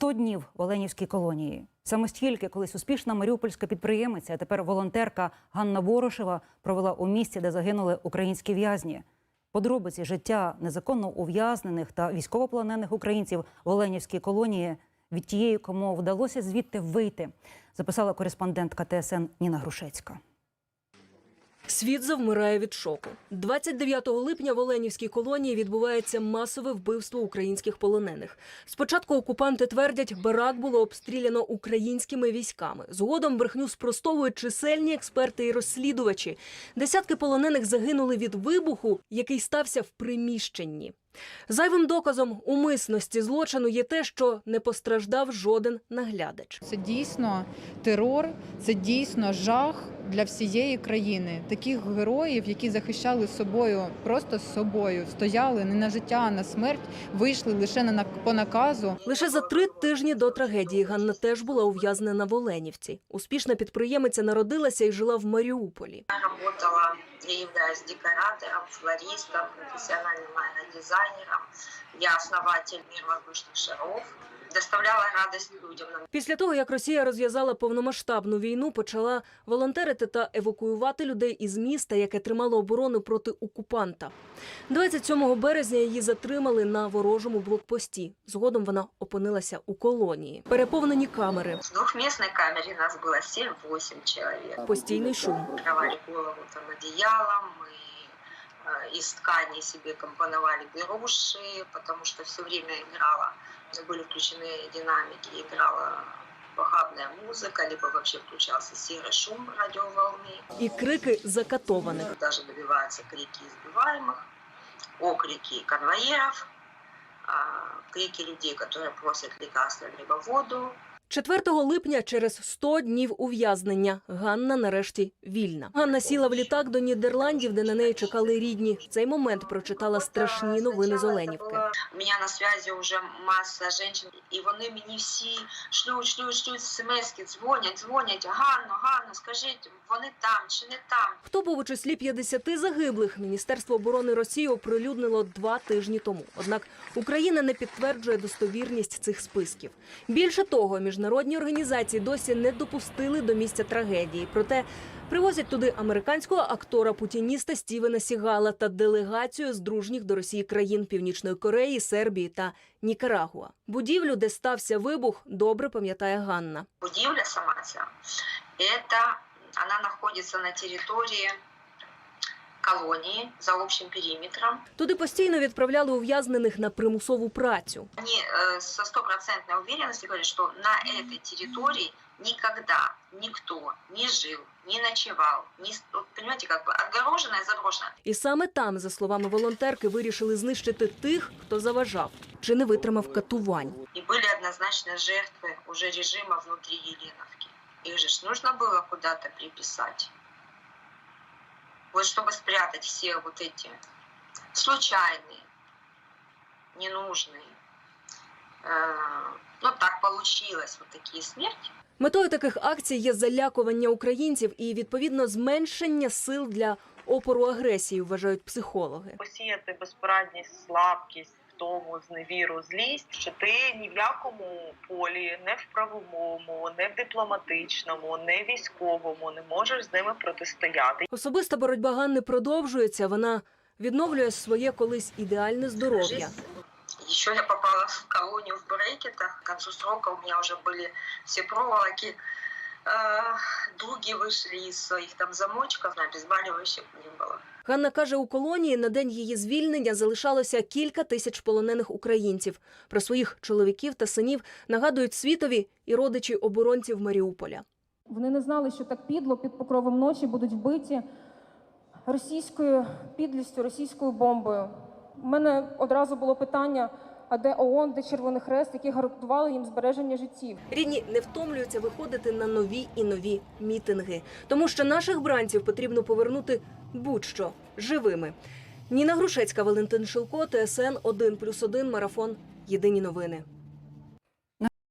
100 днів в Оленівській колонії. Саме стільки колись успішна маріупольська підприємиця, а тепер волонтерка Ганна Ворошева провела у місті, де загинули українські в'язні. Подробиці життя незаконно ув'язнених та військовополонених українців в Оленівській колонії від тієї, кому вдалося звідти вийти, записала кореспондентка ТСН Ніна Грушецька. Світ завмирає від шоку. 29 липня в Оленівській колонії відбувається масове вбивство українських полонених. Спочатку окупанти твердять, барак було обстріляно українськими військами. Згодом брехню спростовують чисельні експерти і розслідувачі. Десятки полонених загинули від вибуху, який стався в приміщенні. Зайвим доказом умисності злочину є те, що не постраждав жоден наглядач. Це дійсно терор, це дійсно жах для всієї країни. Таких героїв, які захищали собою, просто з собою, стояли не на життя, а на смерть, вийшли лише по наказу. Лише за 3 тижні до трагедії Ганна теж була ув'язнена в Оленівці. Успішна підприємиця народилася і жила в Маріуполі. Я являюсь декоратором, флористом, профессиональным дизайнером. Я основатель «Мир воздушных шаров». Доставляла радость людям. Після того, як Росія розв'язала повномасштабну війну, почала волонтерити та евакуювати людей із міста, яке тримало оборону проти окупанта. 27 березня її затримали на ворожому блокпості. Згодом вона опинилася у колонії. Переповнені камери. В двухместной камере нас было 7-8 человек. Постійний шум. Накрывали голову там одеялом, мы из ткани себе компоновали беруши, потому что все время играла, были включены динамики, играла похабная музыка, либо вообще включался серый шум радиоволны. І крики закатованих. Даже добиваются крики избиваемых, окрики конвоиров, крики людей, которые просят лекарства либо воду. 4 липня, через 100 днів ув'язнення, Ганна нарешті вільна. Ганна сіла в літак до Нідерландів, де на неї чекали рідні. В цей момент прочитала страшні новини з Оленівки. У мене на зв'язі вже маса жінок, і вони мені всі шлють смс-ки, дзвонять. Ганно, скажіть, вони там чи не там? Хто був у числі 50 загиблих, Міністерство оборони Росії оприлюднило 2 тижні тому. Однак Україна не підтверджує достовірність цих списків. Більше того, міжнародні організації досі не допустили до місця трагедії. Проте привозять туди американського актора-путініста Стівена Сігала та делегацію з дружніх до Росії країн Північної Кореї, Сербії та Нікарагуа. Будівлю, де стався вибух, добре пам'ятає Ганна. Будівля сама ця, вона знаходиться на території колонии за общим периметром. Туди постійно відправляли ув'язнених на примусову працю. Они со стопроцентной уверенностью говорят, что на этой территории никогда никто не жил, не ночевал, понимаете, как бы отгорожено и заброшено. І саме там, за словами волонтерки, вирішили знищити тих, хто заважав чи не витримав катувань. И были однозначно жертвы уже режима внутри Еленовки. Их же нужно было куда-то приписать. Вот чтобы спрятать все вот эти случайные, ненужные. Ну так получилось, вот такие смерти. Метою таких акцій є залякування українців і, відповідно, зменшення сил для опору агресії, вважають психологи. Посіяти безпорадність, слабкість, втому, зневіру, злість, що ти ні в якому полі, не в правовому, не в дипломатичному, не в військовому не можеш з ними протистояти. Особиста боротьба Ганни продовжується. Вона відновлює своє колись ідеальне здоров'я. Еще я попала в колонию в брекетах. К концу срока у меня уже были все проволоки. Дуги вышли из своих там замочков, обезболивающих не было. Ганна каже, у колонії на день її звільнення залишалося кілька тисяч полонених українців. Про своїх чоловіків та синів нагадують світові і родичі оборонців Маріуполя. Вони не знали, що так підло під покровом ночі будуть вбиті російською підлістю, російською бомбою. У мене одразу було питання, а де ООН, де Червоний Хрест, які гарантували їм збереження життів. Рідні не втомлюються виходити на нові і нові мітинги. Тому що наших бранців потрібно повернути будь-що живими. Ніна Грушецька, Валентин Шилко, ТСН 1+1, Марафон. Єдині новини.